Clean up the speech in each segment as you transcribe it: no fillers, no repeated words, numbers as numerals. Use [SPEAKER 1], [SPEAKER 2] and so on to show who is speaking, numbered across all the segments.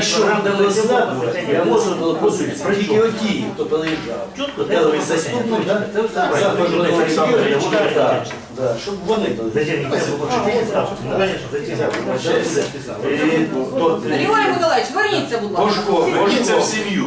[SPEAKER 1] якщо буде розглядувати, я можу допустити тільки оті, хто переїжджав. Перший заступник, щоб вони
[SPEAKER 2] Зачем?
[SPEAKER 3] Григорій Миколаївич, верніться, будь ласка.
[SPEAKER 4] Пошко, верніться в сім'ю.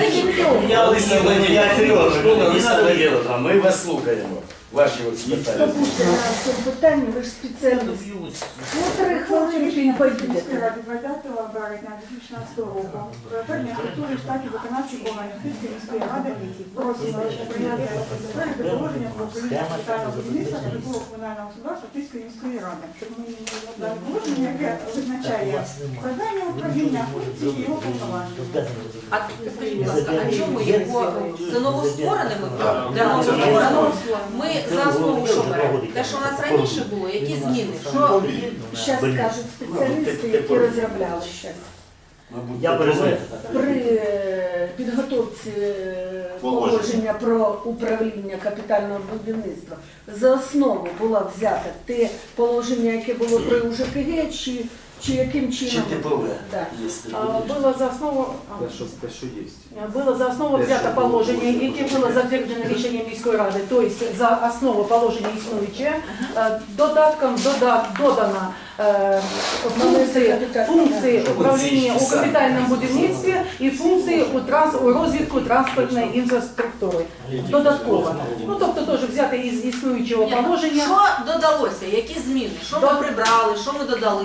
[SPEAKER 1] Я серйозно, а ми вас слухаємо. Ваші от питання.
[SPEAKER 5] Слухайте, на це питання, ви ж спеціаліст. Ну, 3 хвилинки і поїдете.
[SPEAKER 6] 20 березня 2016 року передання структури штатів виконавчих органів Київської міської ради просимо прийняти затвердити положення про управління капітального будівництва та житлово-комунального господарства Київської міської ради. Щоб ми дали положення, яке визначає завдання управління, функції і його повноваження.
[SPEAKER 3] А скажіть, будь ласка, а чому його це новоствореними для новостворення? Ми за основу що беремо? Те, що у нас раніше було, які зміни? Що
[SPEAKER 5] Зараз скажуть спеціалісти, які розробляли зараз.
[SPEAKER 2] Я перезвоню.
[SPEAKER 5] При підготовці положення про управління капітального будівництва за основу було взято те положення, яке було при УЖКГ, чи яким чином?
[SPEAKER 1] Чи типове?
[SPEAKER 5] Да.
[SPEAKER 7] Было за основу взято положення, яке було затверджено рішенням міської ради, тобто за основу положення існуюче, додатком додано функції управління у капітальному будівництві і функції у розвитку транспортної інфраструктури. Додатково. Ну, тобто теж взяти із існуючого положення.
[SPEAKER 3] що додалося? Які зміни? Що ми прибрали? Що ми додали?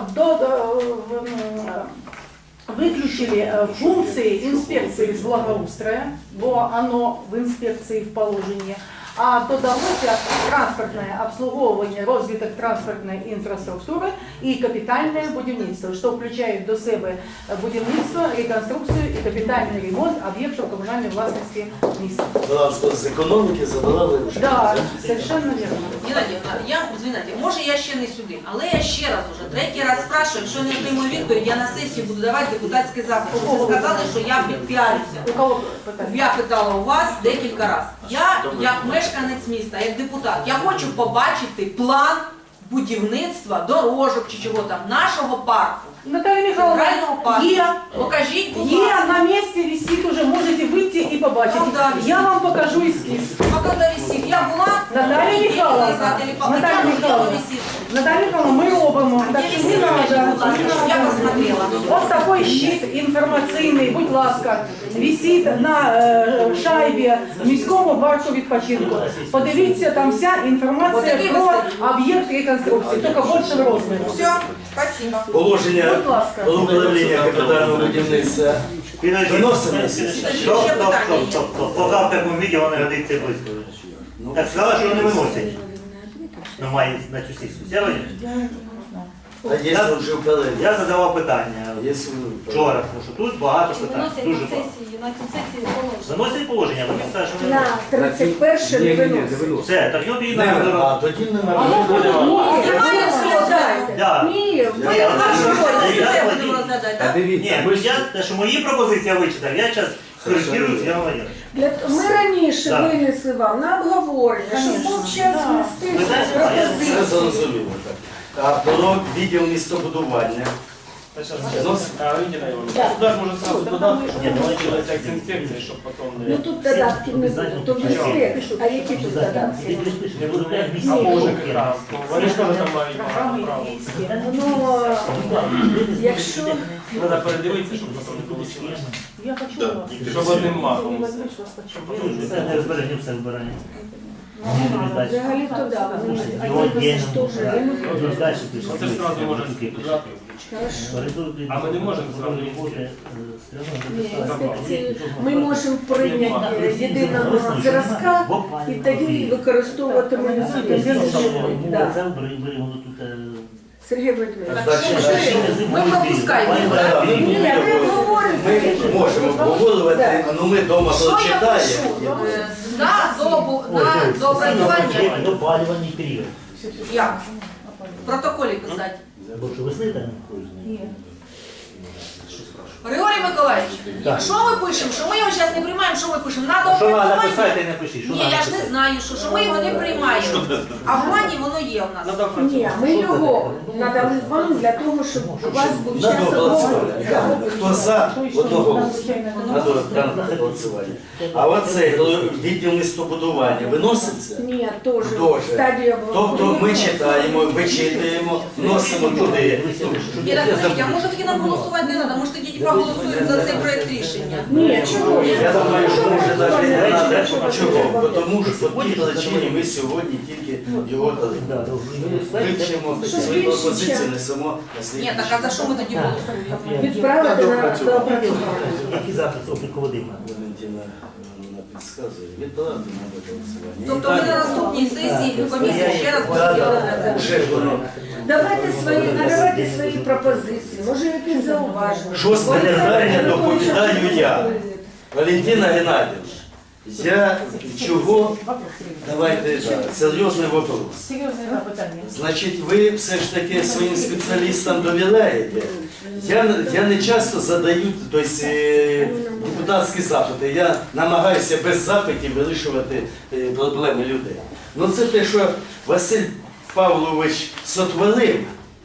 [SPEAKER 7] Выключили функции инспекции из благоустроя, бо оно в инспекции в положении, а додалося транспортне обслуговування, розвиток транспортної інфраструктури і капітальне будівництво, що включає до себе будівництво, реконструкцію і капітальний ремонт об'єктів комунальної власності міста.
[SPEAKER 1] З економіки забирали вже.
[SPEAKER 7] Да, совершенно верно.
[SPEAKER 3] Геннадій, извините, може я ще не сюди, але я ще раз уже, третій раз спрашиваю, якщо не отримую відповідь, я на сесії буду давати депутатський запит. Ви сказали, що я підпіарюся.
[SPEAKER 7] У кого питання?
[SPEAKER 3] Я питала у вас декілька разів. Я, як мешканець міста, як депутат, я хочу побачити план будівництва, дорожок чи чого там, нашого парку.
[SPEAKER 7] Наталья
[SPEAKER 3] Центрального
[SPEAKER 7] Михайловна,
[SPEAKER 3] парку.
[SPEAKER 7] є.
[SPEAKER 3] Покажіть, будь
[SPEAKER 7] Є
[SPEAKER 3] ласка.
[SPEAKER 7] на місці, висить уже, можете вийти і побачити.
[SPEAKER 3] Когда висить?
[SPEAKER 7] Я вам покажу ескіз.
[SPEAKER 3] А коли висів? Я була
[SPEAKER 7] Наталья
[SPEAKER 3] неділю
[SPEAKER 7] Михайловна,
[SPEAKER 3] назад,
[SPEAKER 7] Наталья Михайловна, Наталья Михайловна, мы робимо. Так
[SPEAKER 3] Где
[SPEAKER 7] що не
[SPEAKER 3] висит?
[SPEAKER 7] надо.
[SPEAKER 3] Будь ласка, щоб я посмотрела.
[SPEAKER 7] Ось такий щит інформаційний, будь ласка, висить на шайбі в міському парку відпочинку. Подивіться, там вся інформація
[SPEAKER 3] Отакий
[SPEAKER 7] про
[SPEAKER 3] висить.
[SPEAKER 7] об'єкт реконструкції, тільки більше розміру.
[SPEAKER 3] Все, спасибо.
[SPEAKER 1] Положення
[SPEAKER 7] Будь ласка.
[SPEAKER 1] про управління капітального будівництва виносимо.
[SPEAKER 2] Стоп. Поки в такому відео не годиться близько. Так сказали, що вони виносять. Ну, має на цю сесію. Все робить?
[SPEAKER 1] А якщо вже вперед?
[SPEAKER 2] Я задавав питання вчора, тому що тут багато питань. Дуже багато. Заносять положення, вони скажуть, що вони
[SPEAKER 5] На 31 не виносить.
[SPEAKER 2] все, так його тоді
[SPEAKER 1] Не,
[SPEAKER 2] на
[SPEAKER 1] а тоді не
[SPEAKER 7] Воно буде
[SPEAKER 3] Немає всього,
[SPEAKER 2] Да.
[SPEAKER 5] Ні, ви
[SPEAKER 2] Я
[SPEAKER 3] Нашу
[SPEAKER 2] Я-
[SPEAKER 3] роль
[SPEAKER 2] я-
[SPEAKER 3] будемо розглядати, так?
[SPEAKER 2] Ні, те, що мої пропозиції я вичитав, я зараз скоректирую, я говорю.
[SPEAKER 5] Ми раніше
[SPEAKER 2] Да.
[SPEAKER 5] винесли вам на обговорення, щоб був час внести
[SPEAKER 2] Ви знаєте,
[SPEAKER 5] пропозиції.
[SPEAKER 1] Це зрозуміло. А про відділ містобудування.
[SPEAKER 8] Государство может сразу додатки, чтобы делать акт инспекции, чтобы потом...
[SPEAKER 5] Ну тут додатків не буде, то вже слід. А які тут додатки?
[SPEAKER 2] Не буду
[SPEAKER 8] А
[SPEAKER 2] об'яснити.
[SPEAKER 8] позже как раз. Они же тоже там мають
[SPEAKER 7] програми
[SPEAKER 8] право.
[SPEAKER 7] є.
[SPEAKER 5] Ну, якщо
[SPEAKER 8] Треба передивитися, щоб потім не вийшло.
[SPEAKER 7] Я хочу вас.
[SPEAKER 8] Щоб одним махом.
[SPEAKER 2] Це не збереження, все збирання.
[SPEAKER 5] взагалі то да, вони
[SPEAKER 2] Його
[SPEAKER 5] один
[SPEAKER 2] отдельно.
[SPEAKER 5] теж.
[SPEAKER 2] Далі пише.
[SPEAKER 8] Оце ж сразу може додати. А ми не можемо зразу
[SPEAKER 5] Ні, інспекції ми можемо прийняти єдиного зразка і тоді використовувати ми да. Сергій Володимирович.
[SPEAKER 3] Ми пропускаємо.
[SPEAKER 5] Ні, ми говоримо.
[SPEAKER 1] Ми можемо обговорювати, але ми вдома
[SPEAKER 3] Що я
[SPEAKER 1] прочитаємо.
[SPEAKER 3] пишу? На доопрацювання.
[SPEAKER 2] Допалювальний період.
[SPEAKER 3] Як? В протоколі писати.
[SPEAKER 2] Бо що весни там?
[SPEAKER 7] Ні.
[SPEAKER 3] Григорій Миколаївич, якщо ми пишемо, що ми його зараз не приймаємо, що ми пишемо? Надо
[SPEAKER 2] Що треба
[SPEAKER 3] опрацювати.
[SPEAKER 2] написати, не пишіть. Що
[SPEAKER 3] Ні,
[SPEAKER 2] треба
[SPEAKER 3] я ж не
[SPEAKER 2] написати?
[SPEAKER 3] знаю, що ми його не приймаємо. А в плані воно є у нас.
[SPEAKER 5] Ні, ми його надали вам для того, щоб у вас був час
[SPEAKER 1] Надо голосувати.
[SPEAKER 5] обговорення.
[SPEAKER 1] Хто за, одного голосу. Надо голосування. А оце відділ містобудування виноситься?
[SPEAKER 5] Ні, теж
[SPEAKER 1] Тоже.
[SPEAKER 5] стадія
[SPEAKER 1] Тобто ми читаємо, вичитуємо, вносимо туди.
[SPEAKER 3] Іра, скажіть, а може тоді нам голосувати не треба? Може тоді проголосуємо за цей проект рішення?
[SPEAKER 5] Ні, чого?
[SPEAKER 1] Я думаю, що може навіть не треба. Чого? Бо тому що по тій причині ми сьогодні тільки його дали. Вивчимо свої пропозиції, несемо на
[SPEAKER 3] Ні,
[SPEAKER 1] слідчий.
[SPEAKER 3] так а за що ми тоді голосуємо?
[SPEAKER 5] Відправити на доопрацювання.
[SPEAKER 2] Який запис обліку води?
[SPEAKER 1] Валентина вона підказує. Відправити на голосування.
[SPEAKER 3] Тобто ми на наступній сесії комісії ще раз будемо розглядати.
[SPEAKER 1] Вже воно.
[SPEAKER 5] Надавайте свої пропозиції, може якісь зауваження.
[SPEAKER 1] Шосте питання доповідаю я. Валентина Геннадівна, я чого, давайте так, серйозний вопрос.
[SPEAKER 7] Серйозне питання.
[SPEAKER 1] Значить, ви все ж таки своїм спеціалістам довіряєте. Я не часто задаю тобто, депутатські запити. Я намагаюся без запитів вирішувати проблеми людей. Ну це те, що Василь Павлович сотворив,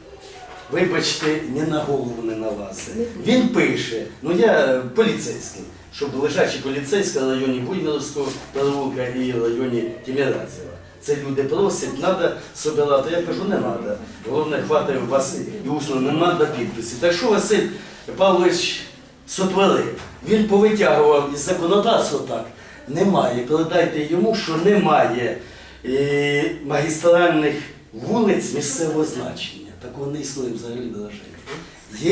[SPEAKER 1] вибачте, ні на голову не налазить. Він пише, ну я поліцейський, щоб лежачий поліцейський в районі Буйволовського переулка і в районі Тіміразєва. Це люди просять, треба собирати. Я кажу, не треба. Головне, хватає у вас і усно, не треба підписи. Так що Василь Павлович сотворив? Він повитягував із законодавства так. Немає. Передайте йому, що немає магістральних вулиць місцевого значення. Такого не існує взагалі державі. Є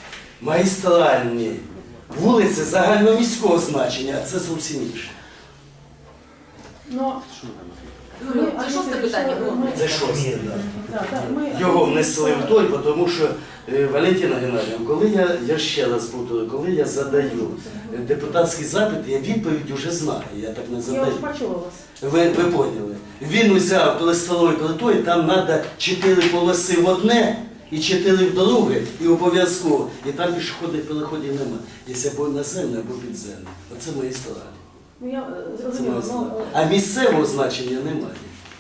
[SPEAKER 1] магістральні вулиці загальноміського значення, а це зовсім інше.
[SPEAKER 7] Ну,
[SPEAKER 3] Це шосте питання було.
[SPEAKER 1] Це шосте, так.
[SPEAKER 7] ми
[SPEAKER 1] Його внесли в той, тому що Валентина Геннадівна, коли я ще раз повторю, коли я задаю депутатський запит, я відповідь вже знаю, я так не
[SPEAKER 7] я
[SPEAKER 1] задаю.
[SPEAKER 7] вже почула вас.
[SPEAKER 1] Ви поняли. Він взяв пластовою плитою, там треба 4 полоси в одне і 4 в друге, і обов'язково. І там пішохідних переходів нема. Є або наземне, або підземне. Оце мої сторони.
[SPEAKER 7] Ну, я
[SPEAKER 1] Це
[SPEAKER 7] зрозуміла.
[SPEAKER 1] мої сторони. А місцевого значення немає.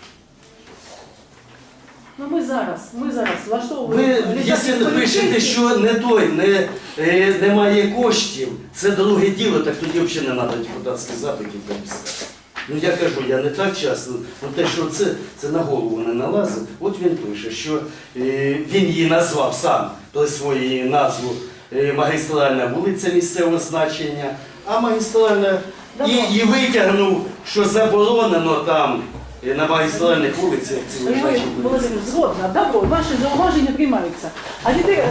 [SPEAKER 7] Ну, ми зараз
[SPEAKER 1] Ви,
[SPEAKER 7] влаштовуємо.
[SPEAKER 1] якщо не пишете, що не той, немає коштів, це друге діло, так тоді взагалі не треба депутатських запитів написати. Ну я кажу, я не так часто, ну те, що це на голову не налазить. От він пише, що він її назвав сам, присвоїв її назву магістральна вулиця місцевого значення, а магістральна і витягнув, що заборонено там на магістральних вулицях ці лежачі вулиці.
[SPEAKER 7] Володимир, згодна, добро, ваші зауваження приймаються. А теперь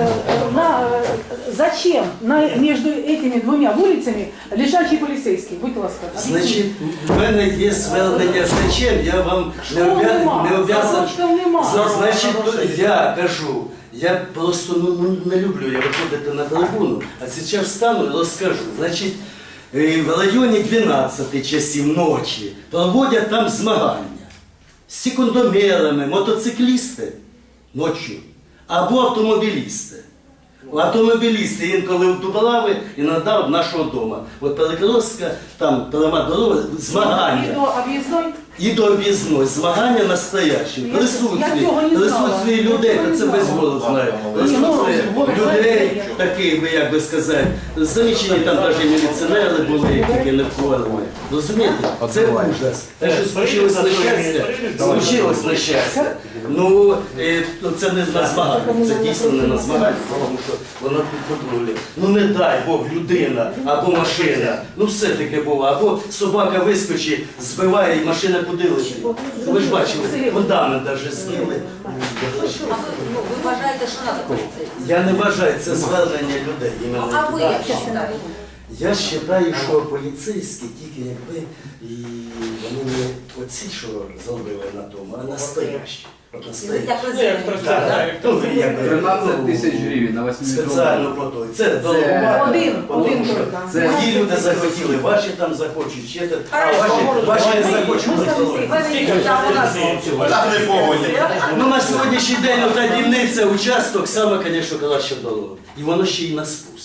[SPEAKER 7] зачем между этими двумя вулицями лежачий поліцейський? Будь ласка, об'ясніть.
[SPEAKER 1] Значить, в мене є звернення зачем, я вам не обов'язаний. Значить, я кажу, я просто не люблю я виходити на трибуну, а зараз встану і розкажу. Значить, в районі 12 часів ночі проводять там змагання з секундомерами, мотоциклісти ночі або автомобілісти. Автомобілісти інколи в Дубраві, іноді в нашого дому. От Перекрестка, там пряма дорога,
[SPEAKER 7] І
[SPEAKER 1] змагання.
[SPEAKER 7] до об'їзної?
[SPEAKER 1] І до об'їзної, змагання настоящі,
[SPEAKER 7] Я цього не знала.
[SPEAKER 1] присутствие людей,
[SPEAKER 7] Я цього
[SPEAKER 1] та
[SPEAKER 7] не
[SPEAKER 1] це без
[SPEAKER 7] знала.
[SPEAKER 1] голос знає,
[SPEAKER 7] ну,
[SPEAKER 1] присутствие
[SPEAKER 7] голос
[SPEAKER 1] людей,
[SPEAKER 7] знає.
[SPEAKER 1] такі, як би сказати, замічені там навіть міліціонери були, які не вкладали. Розумієте? Це ужас. Те, що случилось нещастя, случилось нещастя. Ну, це не на змагання, це дійсно не на змагання, тому що воно під контролем. Ну не дай Бог, людина або машина, ну все таке було, або собака вискочить, збиває і машина куди летить. Ви ж бачили, фундамент навіть з'їли.
[SPEAKER 3] А ви вважаєте, що треба поліцейський?
[SPEAKER 1] Я не вважаю, це звернення людей.
[SPEAKER 3] Ну,
[SPEAKER 1] іменно
[SPEAKER 3] а ви
[SPEAKER 1] туди.
[SPEAKER 3] як вважаєте?
[SPEAKER 1] Я вважаю, що поліцейські тільки якби і вони не оці, що зробили на тому, а настоящі. От настоящі.
[SPEAKER 3] Як президент.
[SPEAKER 1] Так, ну, якби,
[SPEAKER 4] 13 тисяч гривень на 8
[SPEAKER 1] спеціально по той. Це дорога.
[SPEAKER 7] Один
[SPEAKER 1] Тому що
[SPEAKER 7] тільки.
[SPEAKER 1] ті люди захотіли, ваші там захочуть, ще там, а
[SPEAKER 3] Хорошо.
[SPEAKER 1] ваші не захочуть.
[SPEAKER 3] Ми там у нас
[SPEAKER 9] Так не поводі.
[SPEAKER 1] Ну на сьогоднішній день ота дільниця, участок, саме, звісно, краща дорога. І воно ще й на спуск.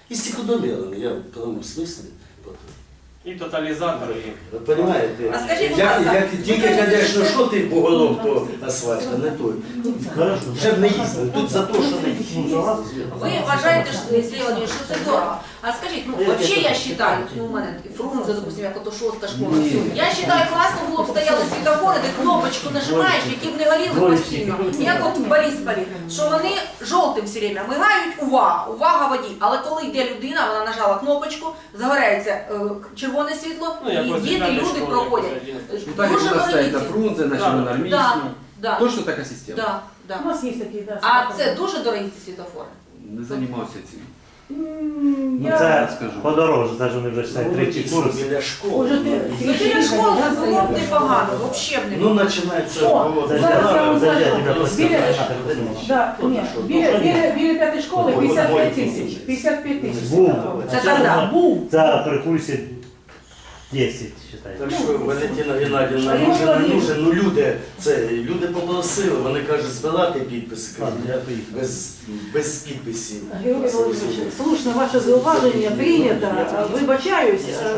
[SPEAKER 1] І стеклодомірами, я в прямому смислі.
[SPEAKER 8] І тоталізатори.
[SPEAKER 1] Ви розумієте?
[SPEAKER 3] А скажіть, будь ласка,
[SPEAKER 1] Тільки, звісно, що ти буголом, то асфальт, а не той. Вже б не їздили, тут за те, що не їздили.
[SPEAKER 3] Ви вважаєте, Сергій Владимирович, що це дорого. А скажіть, ну взагалі я вважаю, ну у мене Фрунзе, допустим, як ото шоста школа. Я вважаю, класно було б стояли світофори, де кнопочку нажимаєш, які б не горіли постійно. Як от в Борисполі, що вони жовтим все время мигають, увага водій. Але коли йде людина, вона нажала кнопочку, загорається червоне світло, і діти, люди проходять.
[SPEAKER 4] Ну так як у нас стоит на Фрунзе, на Червоноармійську.
[SPEAKER 3] Да.
[SPEAKER 4] Точно така система.
[SPEAKER 3] Да, да.
[SPEAKER 7] У нас є такі, да.
[SPEAKER 3] А це дуже дорогі ці світофори.
[SPEAKER 4] Не займався цим.
[SPEAKER 2] Ну
[SPEAKER 7] Я
[SPEAKER 2] це
[SPEAKER 4] скажу.
[SPEAKER 2] подорожче, це ж вони вже все третій курс.
[SPEAKER 1] Біля школи.
[SPEAKER 7] Уже ти-
[SPEAKER 3] Ну біля школи було б непогано, взагалі б не
[SPEAKER 1] Ну,
[SPEAKER 3] було.
[SPEAKER 1] починається.
[SPEAKER 7] О,
[SPEAKER 2] Це
[SPEAKER 7] зараз я вам
[SPEAKER 2] зараз
[SPEAKER 7] скажу.
[SPEAKER 2] я тебе просто
[SPEAKER 7] Біля-
[SPEAKER 2] знаю.
[SPEAKER 7] Да, ні, біля п'ятої школи 55 тисяч. 55 тисяч.
[SPEAKER 2] Був.
[SPEAKER 3] Це тогда.
[SPEAKER 7] Був.
[SPEAKER 2] Це при курсі 10,
[SPEAKER 1] Так
[SPEAKER 2] вважаю.
[SPEAKER 1] що Валентина Геннадіївна,
[SPEAKER 7] А я
[SPEAKER 1] нужен, не
[SPEAKER 7] говорю.
[SPEAKER 1] нужен, ну люди попросили, вони кажуть, збирати підписи, кажуть,
[SPEAKER 2] Ладно, я поїхав.
[SPEAKER 1] без підписів.
[SPEAKER 7] Георгій Володимирович, слушно ваше зауваження прийнято. Вибачаюсь,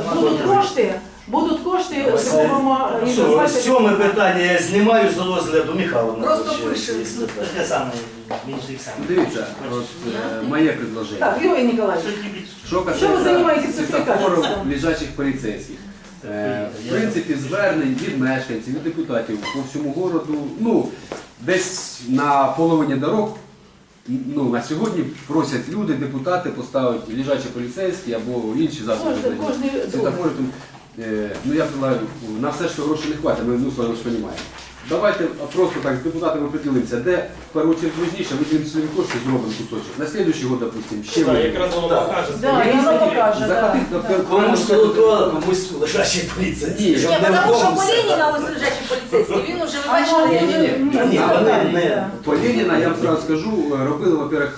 [SPEAKER 7] будуть кошти, зробимо і
[SPEAKER 1] Сьоме питання я знімаю з розгляду Михайловна.
[SPEAKER 3] Просто
[SPEAKER 1] ще
[SPEAKER 3] пишемо.
[SPEAKER 1] є питання.
[SPEAKER 2] Таке саме, більше їх саме.
[SPEAKER 4] Дивіться, от, моє предложення.
[SPEAKER 7] Так, Георгій Ніколаївич,
[SPEAKER 4] Що
[SPEAKER 7] Що ви
[SPEAKER 4] касається
[SPEAKER 7] займаєтесь
[SPEAKER 4] світофорів
[SPEAKER 7] сертифікатом?
[SPEAKER 4] лежачих поліцейських. В принципі, звернень від мешканців, від депутатів по всьому городу, ну, десь на половині дорог, ну, на сьогодні просять люди, депутати поставити лежачі поліцейські або інші засоби.
[SPEAKER 7] Кожний
[SPEAKER 4] Світофори, тому, ну, я предлагаю, на все, що грошей не хватить, ми з вами ж розуміємо. Давайте просто так з депутатами поділимося, де в першу чергу важніше, виділимо свої кошти, зробимо кусочок. На слідуючий год, допустимо, ще
[SPEAKER 8] Так,
[SPEAKER 4] виділимо.
[SPEAKER 8] якраз воно покаже.
[SPEAKER 7] Да, і воно покаже, да.
[SPEAKER 4] Захотіть,
[SPEAKER 1] Комусь тротуар, комусь лежачий поліцейський.
[SPEAKER 4] Ні,
[SPEAKER 1] щоб
[SPEAKER 3] Ні,
[SPEAKER 1] не
[SPEAKER 3] тому що
[SPEAKER 1] вдома
[SPEAKER 3] по
[SPEAKER 1] все.
[SPEAKER 3] Леніна ось лежачий поліцейський, він уже, ви
[SPEAKER 7] А
[SPEAKER 3] бачили,
[SPEAKER 7] ну,
[SPEAKER 1] Ні, вони не.
[SPEAKER 4] По Леніна, я вам сразу скажу, робили, во-первых,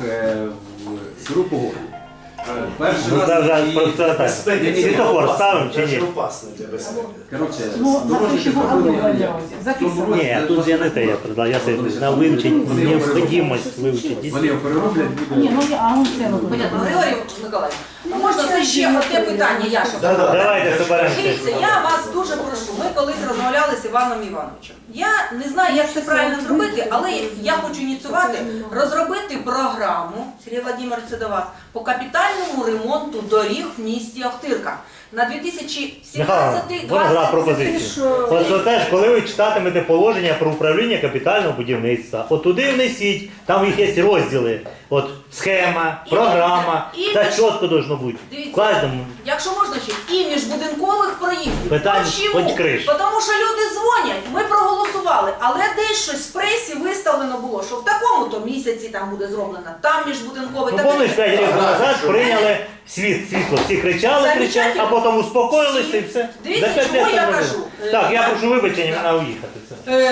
[SPEAKER 4] в селу по городу. Перший
[SPEAKER 2] Ну, це вже
[SPEAKER 4] раз і...
[SPEAKER 2] просто так.
[SPEAKER 1] Безпеки це
[SPEAKER 2] Світофор
[SPEAKER 1] опасно,
[SPEAKER 2] ставимо чи
[SPEAKER 1] це
[SPEAKER 2] ні?
[SPEAKER 1] опасно для безпеки.
[SPEAKER 4] Короче,
[SPEAKER 7] Ну,
[SPEAKER 4] дорожники
[SPEAKER 7] запишемо,
[SPEAKER 4] зробили
[SPEAKER 7] а ви
[SPEAKER 4] як?
[SPEAKER 7] записуємо.
[SPEAKER 2] Ні, тут я не те, я предлагаю, я це на вивчити, необхідність вивчити.
[SPEAKER 4] Вони його перероблять,
[SPEAKER 7] Ні,
[SPEAKER 4] буде...
[SPEAKER 7] ну а он це робить.
[SPEAKER 3] Понятно, Григорій Миколаївич, ну можна це ще одне питання, Яша.
[SPEAKER 2] Давайте соберемося.
[SPEAKER 3] Дивіться, я вас дуже прошу. Ми колись розмовляли з Іваном Івановичем. Я не знаю, як це правильно зробити, але я хочу ініціювати, розробити програму, Сергій Владимирович, це до вас, по капітальному ремонту доріг в місті Охтирка на 2017-2020.
[SPEAKER 2] Вона зразу пропозицію. Ось теж, коли ви читатимете положення про управління капітального будівництва, от туди внесіть, там їх є розділи. От схема, програма, це чітко должно бути. В
[SPEAKER 3] Дивіться,
[SPEAKER 2] кожному.
[SPEAKER 3] якщо можна ще, і міжбудинкових проїздів.
[SPEAKER 2] Питань
[SPEAKER 3] Чому?
[SPEAKER 2] хоч криш.
[SPEAKER 3] Тому що люди дзвонять, ми проголосували, але десь щось в пресі виставлено було, що в такому-то місяці там буде зроблено, там міжбудинковий.
[SPEAKER 2] Ну,
[SPEAKER 3] таке.
[SPEAKER 2] помниш, 5 років назад прийняли світло. Всі кричали, а потім успокоїлися і все.
[SPEAKER 3] Дивіться,
[SPEAKER 2] За 5
[SPEAKER 3] чому
[SPEAKER 2] років
[SPEAKER 3] я
[SPEAKER 2] зробили.
[SPEAKER 3] кажу?
[SPEAKER 2] Так, я прошу вибачення, мені треба уїхати. Все.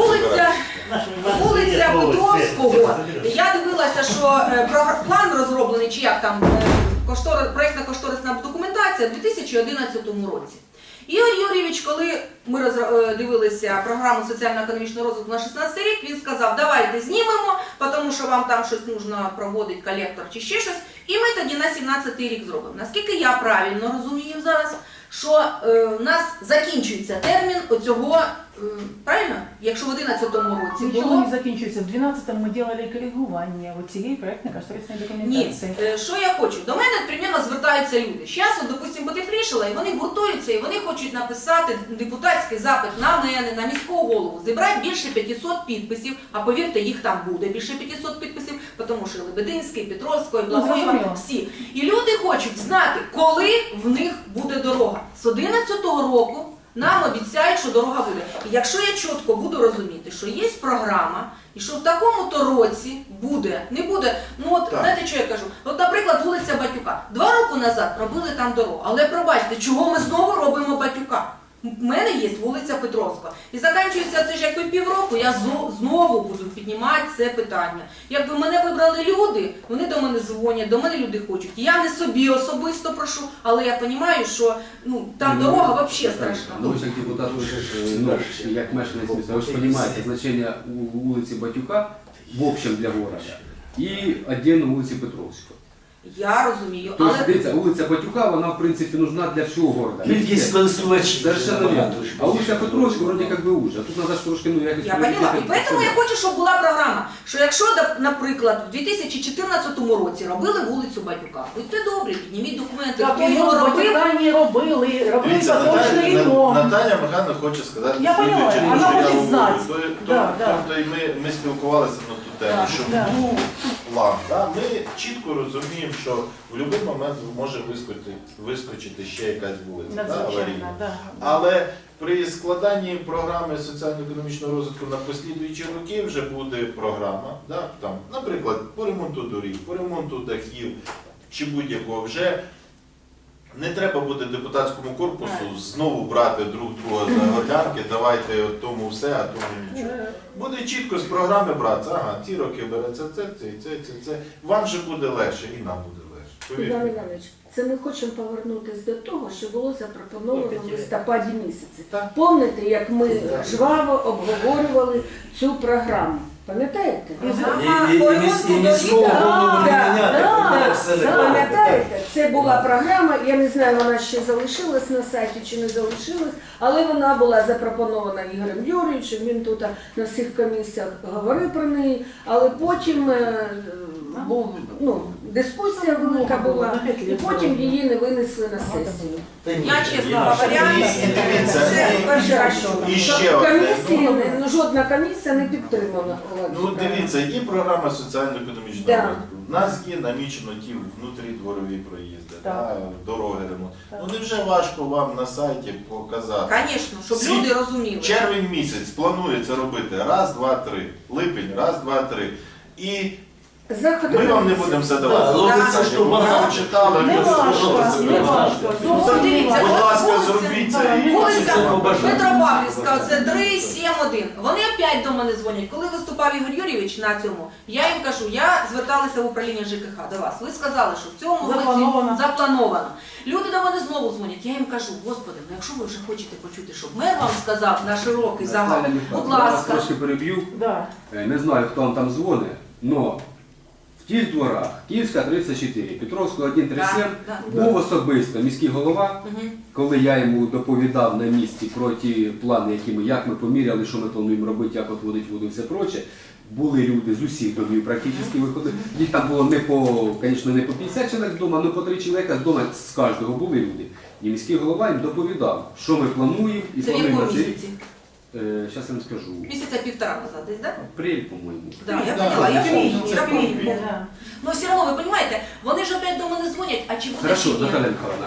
[SPEAKER 3] Вулиця Петровського. Я дивилася, що план розроблений, чи як там, проєктно-кошторисна документація у 2011 році. Ігор Юрійович, коли ми дивилися програму соціально-економічного розвитку на 16 рік, він сказав, давайте знімемо, тому що вам там щось потрібно проводити, колектор чи ще щось, і ми тоді на 17 рік зробимо. Наскільки я правильно розумію зараз, що у нас закінчується термін оцього, правильно? Якщо в 2011 році
[SPEAKER 7] Нічого
[SPEAKER 3] було...
[SPEAKER 7] не закінчується. В 12-му ми робили коригування цієї проєктно-кошторисної
[SPEAKER 3] Ні,
[SPEAKER 7] документації.
[SPEAKER 3] що я хочу? До мене, примірно, звертаються люди. Зараз, от, допустимо, потеплішало, і вони гуртуються, і вони хочуть написати депутатський запит на мене, на міського голову, зібрати більше 500 підписів, а повірте, їх там буде більше 500 підписів, тому що Лебединський, Петровський, Благоєва,
[SPEAKER 7] зрозуміло.
[SPEAKER 3] всі. І люди хочуть знати, коли в них буде дорога. З 2011 року нам обіцяють, що дорога буде. І якщо я чітко буду розуміти, що є програма, і що в такому-то році буде, не буде, ну от, знаєте, що я кажу? От, наприклад, вулиця Батюка. 2 роки назад робили там дорогу, але пробачте, чого ми знову робимо Батюка? У мене є вулиця Петровська. І закінчується це ж якби півроку, я знову буду піднімати це питання. Якби мене вибрали люди, вони до мене дзвонять, до мене люди хочуть. Я не собі особисто прошу, але я розумію, що ну, там дорога взагалі страшна.
[SPEAKER 4] Ну, ви ж як депутат, ви ж, ну, як мешканець міста, ви ж розумієте значення вулиці Батюка в общем для города і віддільно вулиці Петровського.
[SPEAKER 3] Я розумію,
[SPEAKER 4] Тобто,
[SPEAKER 3] але
[SPEAKER 4] дивіться, вулиця Батюка, вона, в принципі, нужна для всього города.
[SPEAKER 1] Кількість користувачів.
[SPEAKER 4] Совершенно верно.
[SPEAKER 1] набагато ж
[SPEAKER 4] А вулиця Петровська, вроді як би уже. А тут треба ж трошки, ну, якось...
[SPEAKER 3] я поняла. І тому я хочу, щоб була програма, що якщо, наприклад, в 2014 році робили вулицю Батюка, будьте добрі, підніміть документи,
[SPEAKER 7] Так,
[SPEAKER 3] хто його
[SPEAKER 7] його
[SPEAKER 3] робив.
[SPEAKER 7] Батькані робили
[SPEAKER 9] Дивіться,
[SPEAKER 7] поточний ремонт.
[SPEAKER 9] Наталя Михайловна хоче сказати,
[SPEAKER 7] Я поняла,
[SPEAKER 9] слідуюче,
[SPEAKER 7] вона
[SPEAKER 9] що я
[SPEAKER 7] хоче
[SPEAKER 9] говорю.
[SPEAKER 7] знати. Да, да.
[SPEAKER 9] Тобто і ми спілкувалися на ту тему,
[SPEAKER 7] Так,
[SPEAKER 9] що
[SPEAKER 7] да.
[SPEAKER 9] був план. Да? Ми чітко розуміємо, що в будь-який момент може вискочити ще якась вулиця, да, аварійна.
[SPEAKER 7] Надзвичайно, да.
[SPEAKER 9] Але при складанні програми соціально-економічного розвитку на послідуючі роки вже буде програма, да, там, наприклад, по ремонту доріг, по ремонту дахів чи будь-якого. Вже не треба буде депутатському корпусу знову брати друг друга за горлянки, давайте от тому все, а тому нічого. Буде чітко з програми брати, ага, ці роки береться це. Вам же буде легше і нам буде легше.
[SPEAKER 5] Іван
[SPEAKER 9] Повірте.
[SPEAKER 5] Іванович, це ми хочемо повернутися до того, що було запропоновано в листопаді місяці. Пам'ятаєте, як ми жваво обговорювали цю програму? Пам'ятаєте?
[SPEAKER 1] І міського голову не міняти, все не
[SPEAKER 5] Пам'ятаєте, це була програма, я не знаю, вона ще залишилась на сайті чи не залишилась, але вона була запропонована Ігорем Юрійовичем, він тут на всіх комісіях говорив про неї, але потім був, дискусія велика була, і потім її не винесли на сесію.
[SPEAKER 3] Я, чесно говоря, це перший раз чула.
[SPEAKER 9] І ще одне.
[SPEAKER 5] Жодна комісія не підтримала.
[SPEAKER 9] Ну дивіться, є програма соціально-економічного
[SPEAKER 5] Да.
[SPEAKER 9] розвитку. У нас є намічено ті внутрідворові проїзди,
[SPEAKER 7] Так.
[SPEAKER 9] да, дороги ремонт. Ну невже важко вам на сайті показати?
[SPEAKER 3] Звісно, щоб
[SPEAKER 9] Ці-
[SPEAKER 3] люди розуміли.
[SPEAKER 9] Червень місяць планується робити раз, два, три. Липень, раз, два, три. І
[SPEAKER 5] Заходи
[SPEAKER 9] ми вам не
[SPEAKER 5] комісії.
[SPEAKER 9] будемо задавати
[SPEAKER 1] Да,
[SPEAKER 9] питання.
[SPEAKER 1] робиться, що
[SPEAKER 9] Ви
[SPEAKER 1] багато.
[SPEAKER 9] прочитали,
[SPEAKER 7] Не
[SPEAKER 9] ви
[SPEAKER 7] важко,
[SPEAKER 9] зробите
[SPEAKER 7] не
[SPEAKER 9] це.
[SPEAKER 7] важко.
[SPEAKER 3] Ну, дивіться,
[SPEAKER 9] Будь
[SPEAKER 3] от
[SPEAKER 9] ласка,
[SPEAKER 3] вулиця-
[SPEAKER 9] зробіть це. і
[SPEAKER 3] Вулиця
[SPEAKER 9] це побажано.
[SPEAKER 3] Петропавлівська, це 371. Вони опять до мене дзвонять. Коли виступав Ігор Юрійович на цьому, я їм кажу, я зверталася в управління ЖКХ до вас. Ви сказали, що в цьому
[SPEAKER 7] Заплановано.
[SPEAKER 3] році заплановано. Люди до мене знову дзвонять. Я їм кажу, господи, ну якщо ви вже хочете почути, щоб мер вам сказав на широкий загал,
[SPEAKER 4] Наталя
[SPEAKER 3] будь
[SPEAKER 4] Михайлівна, я вас
[SPEAKER 3] ласка.
[SPEAKER 4] трошки переб'ю.
[SPEAKER 7] Да.
[SPEAKER 4] Не знаю, хто вам там дзвонить, але в тих дворах, Київська 34, Петровського 137,
[SPEAKER 3] Да, да.
[SPEAKER 4] був особисто міський голова,
[SPEAKER 3] Мгм.
[SPEAKER 4] коли я йому доповідав на місці про ті плани, як ми поміряли, що ми плануємо робити, як отводить воду і все проче. Були люди з усіх домів практично виходили. Їх там було звісно, не по 50 чоловік вдома, але по 3 чоловіка з дому з кожного були люди. І міський голова їм доповідав, що ми плануємо і
[SPEAKER 3] Це в
[SPEAKER 4] плануємо
[SPEAKER 3] якому
[SPEAKER 4] на цей рік.
[SPEAKER 3] місяці?
[SPEAKER 4] Зараз я вам скажу.
[SPEAKER 3] Місяця півтора назад десь, так?
[SPEAKER 4] Апрель, по-моєму.
[SPEAKER 3] Да, я
[SPEAKER 9] Да,
[SPEAKER 3] поняла, я
[SPEAKER 9] це
[SPEAKER 3] помню,
[SPEAKER 9] це
[SPEAKER 3] я
[SPEAKER 9] помню.
[SPEAKER 3] помню.
[SPEAKER 7] Да.
[SPEAKER 3] Но все равно, вы понимаете, вони ж опять до мене дзвонять, а чи буде
[SPEAKER 4] Хорошо,
[SPEAKER 3] чи ні?
[SPEAKER 4] Наталя Михайловна,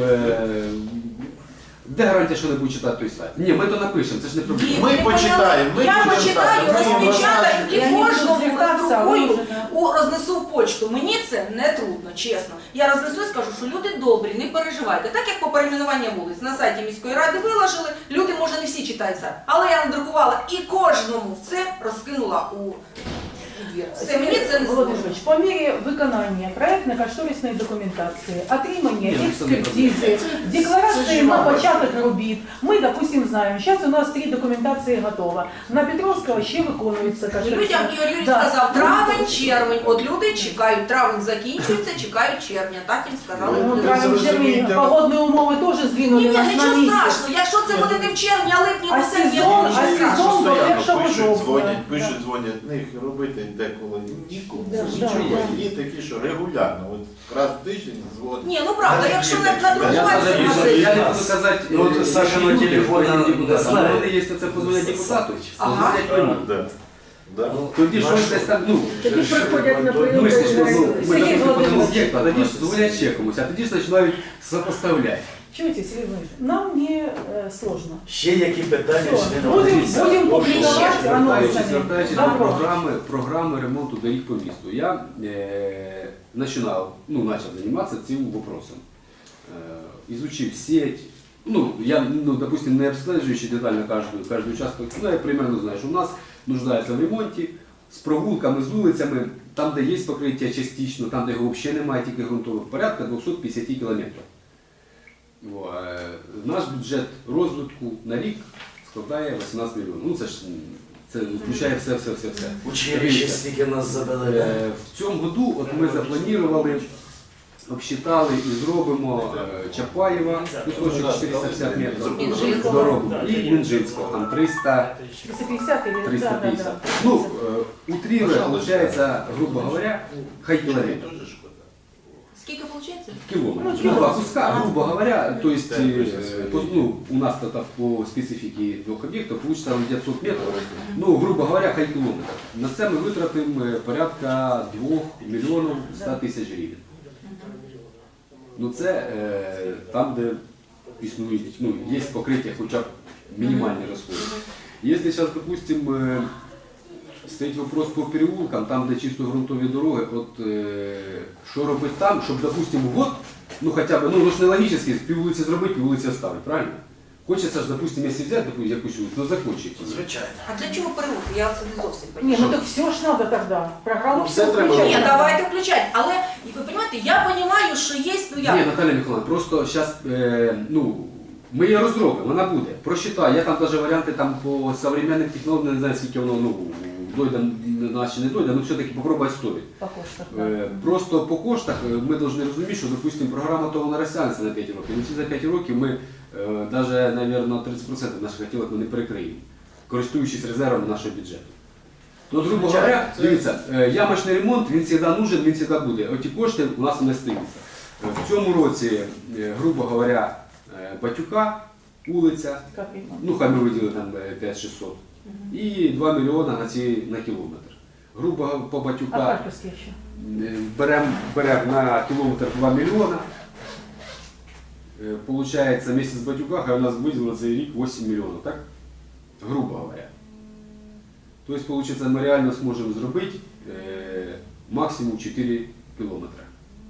[SPEAKER 4] де гарантія, що не буде читати той сайт? Ні, ми то напишемо, це ж не проблема.
[SPEAKER 3] Ні,
[SPEAKER 9] Ми
[SPEAKER 3] ви
[SPEAKER 9] почитаємо, ми
[SPEAKER 3] Я
[SPEAKER 9] будемо
[SPEAKER 3] почитаю,
[SPEAKER 9] знати, ми їм
[SPEAKER 3] розпечатаю і
[SPEAKER 7] Я не буду
[SPEAKER 3] кожному
[SPEAKER 7] звертатися, а ви
[SPEAKER 3] роздрукую,
[SPEAKER 7] вже, да.
[SPEAKER 3] рознесу в почту. Мені це не трудно, чесно. Я рознесу і скажу, що люди добрі, не переживайте. Так як по перейменуванню вулиць на сайті міської ради виложили, люди, може, не всі читають сайт, але я надрукувала і кожному все розкинула у двір. Все, мені це не
[SPEAKER 7] Володимир
[SPEAKER 3] сложно.
[SPEAKER 7] Ильич, по мере виконання проектно-кошторисної документації, отримання
[SPEAKER 4] Ні, ну, це не
[SPEAKER 7] експертизи, декларації на початок робіт, ми, допустим, знаємо, зараз у нас 3 документації готова. На Петровського ще виконується кошторисна.
[SPEAKER 3] Людям Ігор Юрійович
[SPEAKER 7] Да.
[SPEAKER 3] сказав травень, червень. От люди чекають, травень закінчується, чекають червня. Так їм сказали.
[SPEAKER 7] Ну,
[SPEAKER 3] люди.
[SPEAKER 7] травень, червень,
[SPEAKER 9] зрозумійте.
[SPEAKER 7] погодні умови теж здвинули
[SPEAKER 3] Ні, ні,
[SPEAKER 7] нас на
[SPEAKER 3] нічого
[SPEAKER 7] місяць.
[SPEAKER 3] страшного. Якщо це буде не в червні, а липні,
[SPEAKER 7] А
[SPEAKER 3] то це
[SPEAKER 7] сезон,
[SPEAKER 3] нічого
[SPEAKER 7] а
[SPEAKER 3] страшного.
[SPEAKER 7] сезон до
[SPEAKER 9] Постоянно
[SPEAKER 7] 1 жовтня.
[SPEAKER 9] пишуть,
[SPEAKER 7] Да.
[SPEAKER 9] дзвонять, них робити деколи нікому.
[SPEAKER 5] Да,
[SPEAKER 9] Нічого.
[SPEAKER 7] да.
[SPEAKER 9] Є такі, що регулярно, от раз в тиждень дзвонять.
[SPEAKER 3] Ні, ну правда, якщо
[SPEAKER 9] Є
[SPEAKER 3] на
[SPEAKER 9] такі.
[SPEAKER 4] Я
[SPEAKER 3] надрукувати,
[SPEAKER 4] навіть
[SPEAKER 3] то
[SPEAKER 4] не-
[SPEAKER 3] це-
[SPEAKER 4] я не буду казати,
[SPEAKER 1] Ну, от Саша на
[SPEAKER 4] люди,
[SPEAKER 1] телефоні
[SPEAKER 4] які
[SPEAKER 1] не
[SPEAKER 4] депутати,
[SPEAKER 1] знає.
[SPEAKER 4] але вони є, це позвонять депутату,
[SPEAKER 3] Ага.
[SPEAKER 4] позвонять мені.
[SPEAKER 9] Да. Да.
[SPEAKER 4] Тоді щось десь там,
[SPEAKER 5] Тоді приходять на прийом.
[SPEAKER 4] ми ж,
[SPEAKER 5] до
[SPEAKER 4] ми,
[SPEAKER 5] журналістів.
[SPEAKER 4] ми
[SPEAKER 7] Сергій
[SPEAKER 4] допустим, по тому
[SPEAKER 7] Володимирович.
[SPEAKER 4] об'єкту, а тоді ж дзвонять ще комусь, а тоді ж починають сопоставляти.
[SPEAKER 7] Чуєте, Сергій Володимирович, нам не сложно.
[SPEAKER 1] Ще які питання
[SPEAKER 7] Все,
[SPEAKER 1] члени комісії?
[SPEAKER 7] будем публиковать анонсами.
[SPEAKER 4] Звертаючись до
[SPEAKER 7] Добро.
[SPEAKER 4] програми ремонту доріг по місту, я почав займатися цим вопросом. Изучив сеть, я, допустим, не обслежуючи детально каждый участок, я примерно знаю, що у нас нуждається в ремонті, з прогулками, з вулицями, там, де є покриття частично, там, де його взагалі немає, тільки ґрунтове, порядка 250 кілометрів. Наш бюджет розвитку на рік складає 18 мільйонів. Це включає все.
[SPEAKER 1] Училище стільки нас забили.
[SPEAKER 4] В цьому году от ми запланували обсчитали і зробимо Чапаєва, кусочок 450 метрів,
[SPEAKER 3] Мінжинського.
[SPEAKER 4] дорогу, і Мінжинського, там 300,
[SPEAKER 7] 350 или
[SPEAKER 4] 350. Ну, утрируя, получается, грубо говоря, хай километр.
[SPEAKER 3] Скільки виходить?
[SPEAKER 4] Километр. Ну, два куска, грубо говоря, то есть, ну, у нас тогда по специфике двух объектов получится где-то 100 метров, ну, грубо говоря, хай кілометр. На це ми витратимо порядка 2 мільйонів 100 тисяч гривень. Ну, це там, де існують, ну, є покриття хоча б мінімальні розходи. Якщо зараз, допустимо, стоїть вопрос по переулкам, там, де чисто ґрунтові дороги, от що робити там, щоб, допустимо, год, ну хоча б, ну ж не логічно, піввулиці зробити, піввулиці оставити, правильно? Хочеться ж, допустимо, якщо взяти якусь вулицю, ну закончить.
[SPEAKER 1] Звичайно.
[SPEAKER 3] А для чого переулки? Я це не зовсім
[SPEAKER 7] Не,
[SPEAKER 3] розумію.
[SPEAKER 7] ну так все ж надо тогда. Программу
[SPEAKER 9] Ну,
[SPEAKER 7] все
[SPEAKER 9] все треба
[SPEAKER 7] включать.
[SPEAKER 3] Ні, давайте включати. Але, ви розумієте, я розумію, що є, ну як?
[SPEAKER 4] Ні, Наталя Михайловна, просто зараз, ну, ми її розробимо, вона буде. Просчитай, я там навіть варіанти там по современним технологіям, не знаю, скільки воно, ну, дойде, наче не дойде, але все-таки попробувати стоїть.
[SPEAKER 7] По коштах.
[SPEAKER 4] Просто по коштах ми повинні розуміти, що, допустимо, програма того не розтягнеться на 5 років. Ну, ці за 5 років ми навіть, мабуть, 30% наших хотілок ми не перекриємо, користуючись резервами нашого бюджету. Ну, грубо говоря, дивіться, ямочний ремонт, він завжди нужен, він завжди буде. Оті кошти у нас не стаються. В цьому році, грубо говоря, Батюка, вулиця, ну хай ми виділили там 5-600, і 2 мільйони на кілометр. Грубо по
[SPEAKER 7] А
[SPEAKER 4] Батюка
[SPEAKER 7] Харківський ще?
[SPEAKER 4] беремо на кілометр 2 мільйона. Получається, місяць Батюка, хай у нас виділено за рік 8 мільйонів, так? Грубо говоря. Тобто, получается, ми реально зможемо зробити максимум 4 кілометри.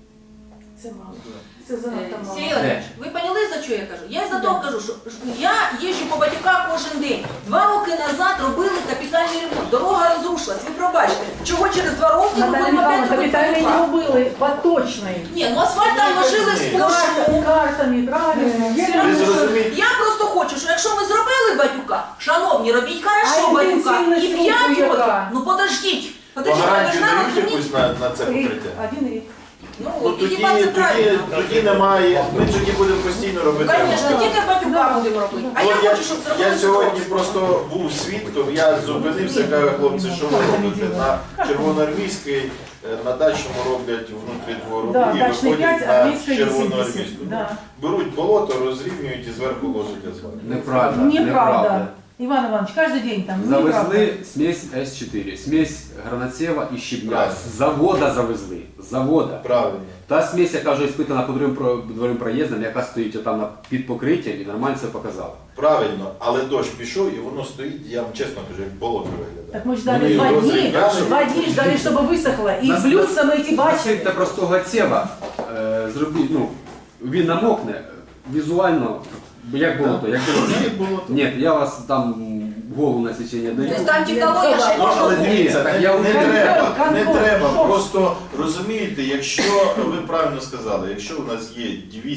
[SPEAKER 7] Це мало. Це занадто мало.
[SPEAKER 3] Сергій Іванович, ви поняли, за що я кажу? Я за того кажу, що я їжджу по Батюка кожен день. 2 роки назад робили капітальний ремонт. Дорога розрушилась. Ви пробачте, чого через 2 роки ми
[SPEAKER 7] Наталя
[SPEAKER 3] будемо
[SPEAKER 7] Михайловна,
[SPEAKER 3] опять робити
[SPEAKER 7] капітальні не
[SPEAKER 3] Батюка?
[SPEAKER 7] робили, поточний.
[SPEAKER 3] Ні, ну асфальт там ложили сплошну.
[SPEAKER 7] Картами, правильно.
[SPEAKER 9] Ви зрозумієте,
[SPEAKER 3] Я просто хочу, що якщо ми зробили Батюка, шановні, робіть хорошо
[SPEAKER 7] А
[SPEAKER 3] Батюка.
[SPEAKER 7] інтенсивність
[SPEAKER 3] І
[SPEAKER 7] руху
[SPEAKER 3] 5 років.
[SPEAKER 7] яка?
[SPEAKER 3] Ну подождіть.
[SPEAKER 9] по
[SPEAKER 3] Подождіть, ви
[SPEAKER 9] гарантію
[SPEAKER 3] ж нам
[SPEAKER 9] дають
[SPEAKER 3] розумієте?
[SPEAKER 9] якусь на це
[SPEAKER 7] Рік,
[SPEAKER 9] покриття?
[SPEAKER 7] 1 рік.
[SPEAKER 3] Ну,
[SPEAKER 9] Ну,
[SPEAKER 3] і хіба це
[SPEAKER 9] тоді
[SPEAKER 3] правильно?
[SPEAKER 9] немає, ми тоді будемо постійно робити
[SPEAKER 3] Звісно,
[SPEAKER 9] ремонт.
[SPEAKER 3] тільки Батюка будемо робити. А
[SPEAKER 9] Ну,
[SPEAKER 3] я хочу, щоб зробили
[SPEAKER 9] я сьогодні
[SPEAKER 3] Дніпровську.
[SPEAKER 9] просто був свідком, я зупинився, кажу, хлопці, що ви робите? На Червоноармійській, на дачному роблять внутрі двору
[SPEAKER 7] Да,
[SPEAKER 9] і
[SPEAKER 7] дачний 5,
[SPEAKER 9] виходять на
[SPEAKER 7] армійський 80.
[SPEAKER 9] Червоноармійську.
[SPEAKER 7] Да.
[SPEAKER 9] Беруть болото, розрівнюють і зверху ложать асфальт.
[SPEAKER 4] Неправда.
[SPEAKER 7] Неправда. Иван Иванович, каждый день там. неправда.
[SPEAKER 4] Завезли смесь С4, смесь гранатсева і щебня.
[SPEAKER 9] Правильно.
[SPEAKER 4] З завода завезли. З завода.
[SPEAKER 9] Правильно.
[SPEAKER 4] Та смесь, яка вже іспитана по дворовим проїздам, яка стоїть там під покриттям і нормально це показала.
[SPEAKER 9] Правильно, але дощ пішов і воно стоїть, я вам чесно кажу, як болото виглядає.
[SPEAKER 7] Так мы
[SPEAKER 9] Ну,
[SPEAKER 7] ждали
[SPEAKER 9] и
[SPEAKER 7] 2
[SPEAKER 9] розы,
[SPEAKER 7] дней,
[SPEAKER 9] да, чтобы-
[SPEAKER 7] 2 дней ждали, чтобы высохло. И
[SPEAKER 4] Нас-
[SPEAKER 7] блюдца мы эти бачили.
[SPEAKER 4] Насильте простого цева зробіть, ну, він намокне візуально, як болото. Як
[SPEAKER 9] Як болото.
[SPEAKER 4] Ні, я вас там голову на січення даю.
[SPEAKER 3] Тобто там технологія ще
[SPEAKER 9] Ну, але
[SPEAKER 3] можна.
[SPEAKER 9] дивіться,
[SPEAKER 4] так я
[SPEAKER 9] не
[SPEAKER 4] вже-
[SPEAKER 9] треба, не
[SPEAKER 7] Контроль,
[SPEAKER 9] треба.
[SPEAKER 7] що?
[SPEAKER 9] Просто розумієте, якщо ви правильно сказали, якщо у нас є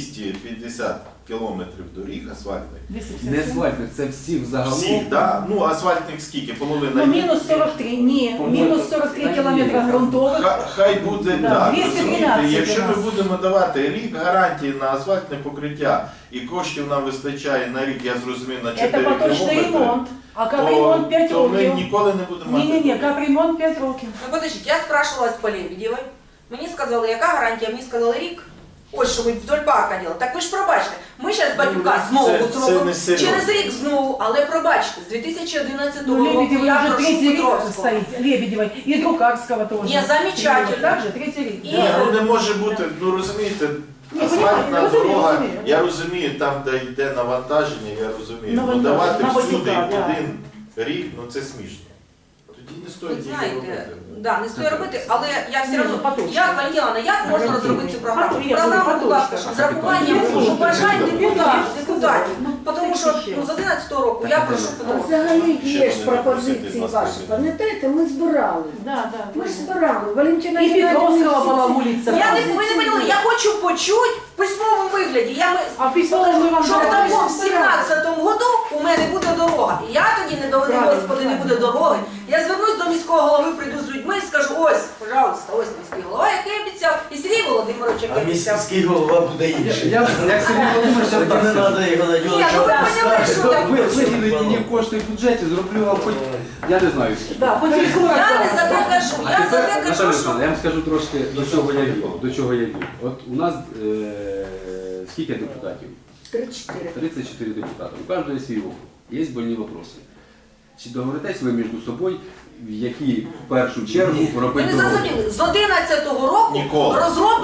[SPEAKER 9] 250 кілометрів доріг асфальтних,
[SPEAKER 4] Не асфальтних, це всі взагалом.
[SPEAKER 9] всіх, да? Ну асфальтних скільки? Половина.
[SPEAKER 7] Ну,
[SPEAKER 9] є.
[SPEAKER 7] минус 43, не, минус 43 километра грунтовых.
[SPEAKER 9] Хай буде
[SPEAKER 7] Да,
[SPEAKER 9] так,
[SPEAKER 7] 213
[SPEAKER 9] розумієте, якщо
[SPEAKER 7] у
[SPEAKER 9] ми
[SPEAKER 7] нас.
[SPEAKER 9] будемо давати рік гарантії на асфальтне покриття і коштів нам вистачає на рік, я зрозумів, на 4
[SPEAKER 7] Это поточный
[SPEAKER 9] кілометри,
[SPEAKER 7] ремонт. А капремонт 5
[SPEAKER 9] то ми
[SPEAKER 7] років.
[SPEAKER 9] ніколи не будемо мати.
[SPEAKER 7] Не-не-не, капремонт 5 років.
[SPEAKER 3] Ну подождіть, я спрашивала з Полєбідєвої. Мені сказали, яка гарантія? Мені сказали рік. Ось що ви вдоль парка робили. Так ви ж пробачте. Ми зараз Батюка знову
[SPEAKER 9] це
[SPEAKER 3] зробимо.
[SPEAKER 9] не серйозно.
[SPEAKER 3] Через рік знову, але пробачте, з 2011
[SPEAKER 7] Ну,
[SPEAKER 3] року
[SPEAKER 7] Лебедевой
[SPEAKER 3] я
[SPEAKER 7] уже
[SPEAKER 3] прошу
[SPEAKER 7] 3-й рік
[SPEAKER 3] Петровського.
[SPEAKER 7] стоит. Лебедевой. И Друкарского тоже.
[SPEAKER 3] Не, замечательно.
[SPEAKER 7] Также 3-й рік.
[SPEAKER 3] І-
[SPEAKER 9] Ні, ну не може бути, ну розумієте,
[SPEAKER 7] Ні,
[SPEAKER 9] асфальтна
[SPEAKER 7] розумію,
[SPEAKER 9] дорога,
[SPEAKER 7] розумію.
[SPEAKER 9] я розумію, там, де йде навантаження, я розумію. Ну
[SPEAKER 7] Навантаження,
[SPEAKER 9] давати
[SPEAKER 7] на
[SPEAKER 9] всюди
[SPEAKER 7] Батюка, да.
[SPEAKER 9] 1 рік, ну це смішно. Тоді не
[SPEAKER 3] Ви
[SPEAKER 9] стоїть її
[SPEAKER 3] знаєте,
[SPEAKER 9] робити.
[SPEAKER 3] да, не стоїть робити, але я все
[SPEAKER 7] Ні,
[SPEAKER 3] одно,
[SPEAKER 7] поточно.
[SPEAKER 3] як Валентина, як можна
[SPEAKER 7] Гарантійно.
[SPEAKER 3] розробити цю програму?
[SPEAKER 7] Ответили,
[SPEAKER 3] Програму, будь ласка,
[SPEAKER 7] поточно.
[SPEAKER 3] з рахуванням
[SPEAKER 7] Поточно.
[SPEAKER 3] побажань депутатів.
[SPEAKER 7] Ну,
[SPEAKER 3] Тому що з 11 року я прошу
[SPEAKER 5] А
[SPEAKER 3] Петровського.
[SPEAKER 5] взагалі
[SPEAKER 9] Ще
[SPEAKER 5] є ж
[SPEAKER 9] вони
[SPEAKER 5] пропозиції
[SPEAKER 9] запросити з
[SPEAKER 5] ваші.
[SPEAKER 9] Москви.
[SPEAKER 5] Пам'ятаєте, ми збирали.
[SPEAKER 7] Да, да.
[SPEAKER 5] Ми ж збирали. Валентина
[SPEAKER 7] И
[SPEAKER 5] Геннадіївна
[SPEAKER 7] Петровского
[SPEAKER 5] всі
[SPEAKER 7] была
[SPEAKER 5] ці-
[SPEAKER 7] улица.
[SPEAKER 3] Я не, ви не поняли, я хочу почути в письмовому вигляді.
[SPEAKER 7] А в письмовому ми вам
[SPEAKER 3] Що в
[SPEAKER 7] давали.
[SPEAKER 3] такому в 17-му году у мене буде дорога. І я тоді не доведу, Господи, не буде дороги. Я звернусь до міського голови, прийду з людьми і скажу, ось, пожалуйста, ось міський голова, який обіцяв, і Сергій Володимирович,
[SPEAKER 1] А
[SPEAKER 3] який обіцяв.
[SPEAKER 1] міський голова буде інший.
[SPEAKER 4] Як Сергій Володимирович,
[SPEAKER 1] Тоді не треба його на нього
[SPEAKER 3] Ні, ну ви поняли, що я
[SPEAKER 4] виділені мені кошти в бюджеті, зроблю вам хоч, я не знаю скільки.
[SPEAKER 7] Да, потім
[SPEAKER 3] Я не за те кажу,
[SPEAKER 4] А
[SPEAKER 3] я за
[SPEAKER 4] тепер,
[SPEAKER 3] те
[SPEAKER 4] Наталя
[SPEAKER 3] кажу, що...
[SPEAKER 4] Олександровна, я вам скажу трошки, до чого я вів. От у нас скільки депутатів?
[SPEAKER 5] 3-4.
[SPEAKER 4] 34 депутата. У кожного свій округ. Є больні вопроси. Чи договоритесь ви між собою, в які в першу чергу
[SPEAKER 3] Ви
[SPEAKER 4] робити
[SPEAKER 3] не
[SPEAKER 4] дороги?
[SPEAKER 3] зрозуміли, з 11-го року
[SPEAKER 9] Ніколи.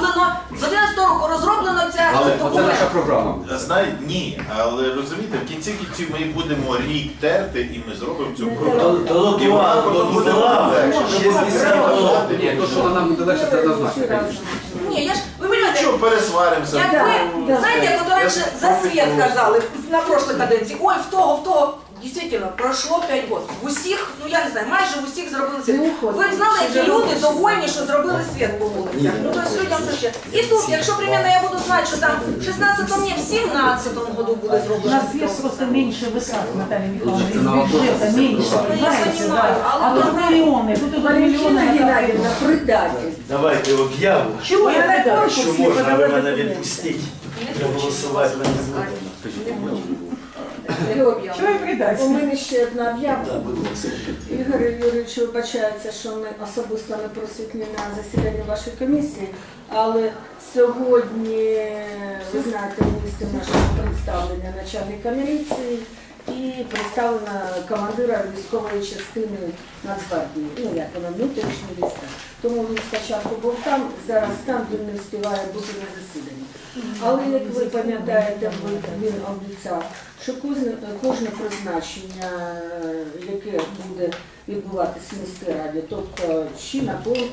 [SPEAKER 3] розроблено ця
[SPEAKER 9] Але
[SPEAKER 4] Це
[SPEAKER 3] документ.
[SPEAKER 4] наша програма.
[SPEAKER 9] Знаєте, ні, але розумієте, в кінці кінців ми будемо рік терти і ми зробимо цю
[SPEAKER 1] До
[SPEAKER 9] програму. І вона
[SPEAKER 1] Лотва,
[SPEAKER 9] потім
[SPEAKER 1] до
[SPEAKER 9] буде
[SPEAKER 1] Лотва,
[SPEAKER 9] легше.
[SPEAKER 1] 60 років.
[SPEAKER 4] Ні, то, що нам буде легше, це однозначно.
[SPEAKER 5] Всі разом.
[SPEAKER 4] звісно.
[SPEAKER 3] Ні, я ж, ви розумієте,
[SPEAKER 9] Що пересваримося?
[SPEAKER 3] як ви, знаєте, як от раніше за світ казали на прошлій каденції, ой, в того, дійсно, пройшло 5 років. В усіх, ну я не знаю, майже в усіх зробили світ. Ви б знали, які люди довольні, що зробили світ по вулицях. Ну, тобто людям то ще. І тут, якщо, примерно, я буду знати, що там в 16-му, ні, в 17-му году буде
[SPEAKER 7] У
[SPEAKER 3] зроблено.
[SPEAKER 7] нас есть просто меньше вытрат, Наталья Михайловна, из
[SPEAKER 4] Это на вопрос.
[SPEAKER 7] бюджета меньше,
[SPEAKER 3] Ну, я
[SPEAKER 7] понимаете,
[SPEAKER 3] понимаю,
[SPEAKER 7] да.
[SPEAKER 3] а
[SPEAKER 7] А
[SPEAKER 3] вот
[SPEAKER 7] тут миллионы, тут идут
[SPEAKER 5] Валентина
[SPEAKER 7] миллионы.
[SPEAKER 5] Геннадьевна, предатель.
[SPEAKER 1] Давайте об'яву,
[SPEAKER 7] Чего я
[SPEAKER 5] на
[SPEAKER 7] так
[SPEAKER 1] що
[SPEAKER 5] Всі
[SPEAKER 1] можна ви
[SPEAKER 5] подали
[SPEAKER 1] мене
[SPEAKER 5] документи.
[SPEAKER 1] відпустити. Проголосувати ми не будемо.
[SPEAKER 7] Чего я предатель?
[SPEAKER 5] У мене ще одна об'ява.
[SPEAKER 1] Так, будь ласка.
[SPEAKER 5] Ігор Юрійович вибачається, що ми особисто не присутні на засіданні вашої комісії, але сьогодні, ви знаєте, в місті нашого представлення начальника міліції і представлена командира військової частини Нацгвардії, ну як вона, внутрішні війська. Тому він спочатку був там, зараз там, він не встигає бути на засіданні. Але, як ви пам'ятаєте, він обіцяв, що кожне призначення, яке буде відбуватися в міській раді, тобто чи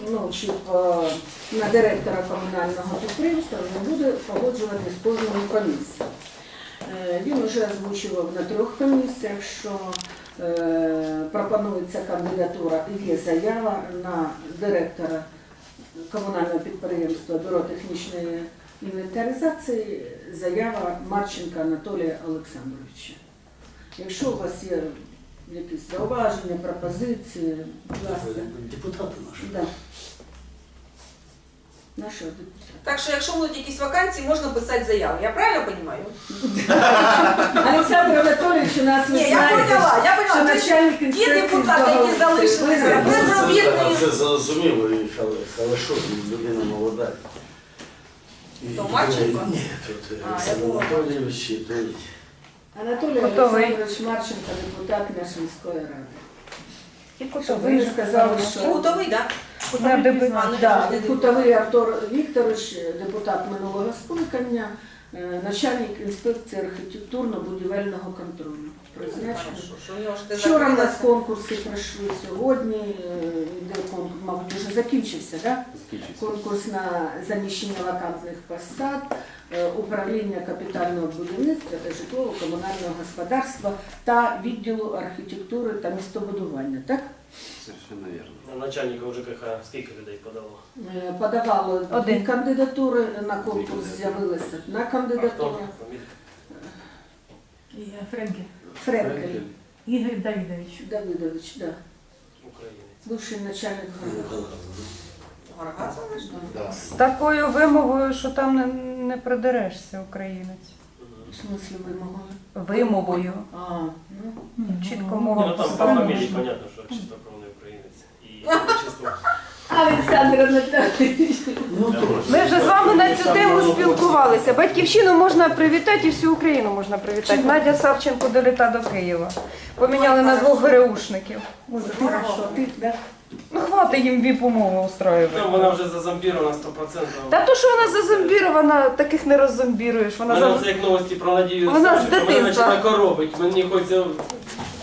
[SPEAKER 5] на директора комунального підприємства, не буде погоджуватися з кожною комісією. Він вже озвучував на 3 комісіях, що пропонується кандидатура і є заява на директора комунального підприємства Бюро технічної інвентаризації, заява Марченка Анатолія Олександровича. Якщо у вас є якісь зауваження, пропозиції, будь ласка.
[SPEAKER 1] Депутати наші.
[SPEAKER 5] Да. Нашого депутата.
[SPEAKER 3] Так що, якщо будуть якісь вакансії, можна писати заяву. Я правильно розумію?
[SPEAKER 5] Олександр Анатолійович у нас, ви
[SPEAKER 3] Ні, я
[SPEAKER 5] знаєте,
[SPEAKER 3] поняла, я
[SPEAKER 5] що
[SPEAKER 3] поняла.
[SPEAKER 5] начальник
[SPEAKER 3] Ті
[SPEAKER 5] інспекції
[SPEAKER 3] депутати, які
[SPEAKER 5] з
[SPEAKER 3] залишилися,
[SPEAKER 5] договору.
[SPEAKER 3] безробітні.
[SPEAKER 1] Це зрозуміло, але що, людина молода.
[SPEAKER 3] То Марченко?
[SPEAKER 1] Ні, тут
[SPEAKER 3] А,
[SPEAKER 1] Олександр
[SPEAKER 3] я думала.
[SPEAKER 1] Анатолійович, і той.
[SPEAKER 5] Анатолій
[SPEAKER 7] Готовий.
[SPEAKER 5] Олександрович Марченко, депутат нашої міської ради.
[SPEAKER 7] И
[SPEAKER 5] Ви не сказали,
[SPEAKER 3] І
[SPEAKER 5] що
[SPEAKER 3] Гутовий, так?
[SPEAKER 5] да, Кутовий Артур Вікторович, депутат минулого скликання, начальник інспекції архітектурно-будівельного контролю. Призначений. Вчора у нас конкурси пройшли, сьогодні йде конкурс, мабуть, вже закінчився, так?
[SPEAKER 4] Закінчиться.
[SPEAKER 5] Конкурс на заміщення вакантних посад, управління капітального будівництва та житлово-комунального господарства та відділу архітектури та містобудування, так?
[SPEAKER 4] Совершенно вірно.
[SPEAKER 8] Начальника ЖКХ скільки людей подало?
[SPEAKER 5] Подавало 2
[SPEAKER 7] Один.
[SPEAKER 5] кандидатури, на конкурс з'явилася одна
[SPEAKER 8] А хто?
[SPEAKER 5] кандидатура.
[SPEAKER 8] Фамілія?
[SPEAKER 7] Фрэнки.
[SPEAKER 5] Френкель
[SPEAKER 7] Игорь Давидович.
[SPEAKER 5] Давидович, да.
[SPEAKER 8] Українець.
[SPEAKER 5] Бывший начальник групи.
[SPEAKER 9] Да.
[SPEAKER 10] З такою вимовою, що там не придерешся, українець.
[SPEAKER 5] В смысле вимогою?
[SPEAKER 10] Вимовою.
[SPEAKER 5] А, ну.
[SPEAKER 10] Чітко
[SPEAKER 8] Ну,
[SPEAKER 10] мова.
[SPEAKER 8] там по фамілії понятно, що чистокровний українець. І чисто.
[SPEAKER 5] Олександр Анатолійович.
[SPEAKER 1] Ну, трошки.
[SPEAKER 10] Ми вже з вами на цю тему спілкувалися. Батьківщину можна привітати і всю Україну можна привітати. Надя Савченко доліта до Києва. Поміняли на 2 ГРУшників.
[SPEAKER 5] Ой, хорошо, ти, да?
[SPEAKER 10] Ну, хватить їм віп-умови устраювати.
[SPEAKER 8] Ну, вона вже зазомбірована 100%.
[SPEAKER 10] Та то, що вона зазомбірована, таких не роззомбіруєш. Вона
[SPEAKER 8] Мене це як новості про Надію
[SPEAKER 10] Вона з
[SPEAKER 8] Савченко, мене
[SPEAKER 10] дитинства.
[SPEAKER 8] починає коробить. Мені хочеться